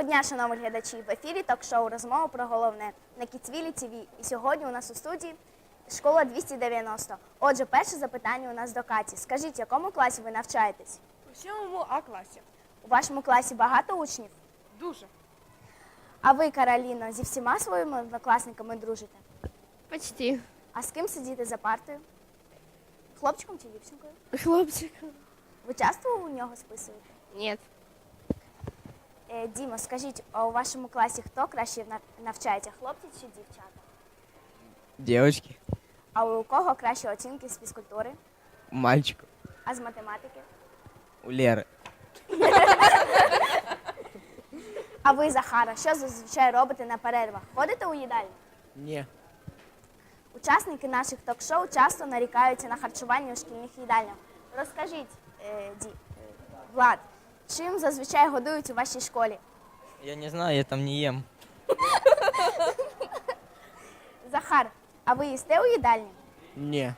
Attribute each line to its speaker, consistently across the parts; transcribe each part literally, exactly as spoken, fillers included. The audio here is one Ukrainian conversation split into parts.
Speaker 1: Доброго дня, шановні глядачі! В ефірі ток-шоу «Розмова про головне» на Кіцвілі ТВ. І сьогодні у нас у студії школа двісті дев'яносто. Отже, перше запитання у нас до Каті. Скажіть, в якому класі ви навчаєтесь?
Speaker 2: У сьомому А класі.
Speaker 1: У вашому класі багато учнів?
Speaker 2: Дуже.
Speaker 1: А ви, Кароліно, зі всіма своїми однокласниками дружите?
Speaker 3: Почти.
Speaker 1: А з ким сидіти за партою? Хлопчиком чи дівчинкою?
Speaker 3: Хлопчиком.
Speaker 1: Ви часто у нього списуєте?
Speaker 3: Нет.
Speaker 1: Е, Дімо, скажіть, а у вашому класі хто краще нав- навчається, хлопці чи дівчата?
Speaker 4: Девочки,
Speaker 1: А у кого кращі оцінки з фізкультури?
Speaker 4: у мальчиков,
Speaker 1: А з математики?
Speaker 4: у Леры.
Speaker 1: А ви, Захара, що зазвичай робите на перервах? Ходите у їдальню?
Speaker 4: Не.
Speaker 1: Учасники наших ток-шоу часто нарікаються на харчування у шкільних їдальнях. Розкажіть, е, Ді, е, Влад, чим зазвичай годують у вашій школі?
Speaker 4: Я не знаю, я там не ем.
Speaker 1: Захар, а ви їсте у їдальні?
Speaker 4: Не.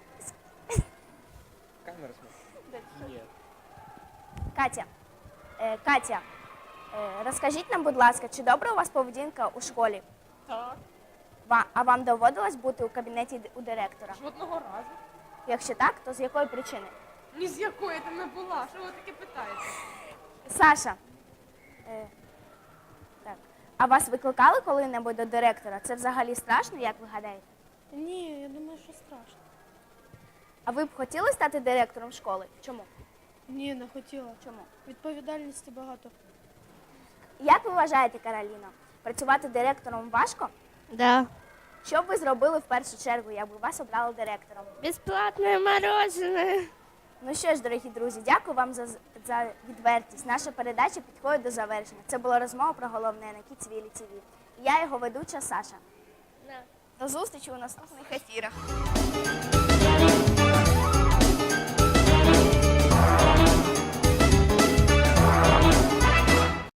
Speaker 4: Камера смотрит.
Speaker 1: Катя, е, Катя, е, розкажіть нам, будь ласка, чи добра у вас поведінка у школі?
Speaker 2: Так.
Speaker 1: Ва- А вам доводилось бути у кабінеті д- у директора?
Speaker 2: Жодного разу.
Speaker 1: Якщо так, то з якої причини?
Speaker 2: Ні з якої там не була. Що ви таке питаєте?
Speaker 1: Саша, е, так. А вас викликали коли-небудь до директора? Це взагалі страшно, як ви гадаєте?
Speaker 3: Ні, я думаю, що страшно.
Speaker 1: А ви б хотіли стати директором школи? Чому?
Speaker 3: Ні, не хотіла.
Speaker 1: Чому?
Speaker 3: Відповідальності багато.
Speaker 1: Як ви вважаєте, Кароліно, працювати директором важко?
Speaker 3: Да.
Speaker 1: Що б ви зробили в першу чергу, якби вас обрали директором?
Speaker 3: Бесплатное мороженое.
Speaker 1: Ну що ж, дорогі друзі, дякую вам за, за відвертість. Наша передача підходить до завершення. Це була розмова про головне на Кіцвілі ТВ. Я його ведуча Саша.
Speaker 3: Да.
Speaker 1: До зустрічі у наступних ефірах.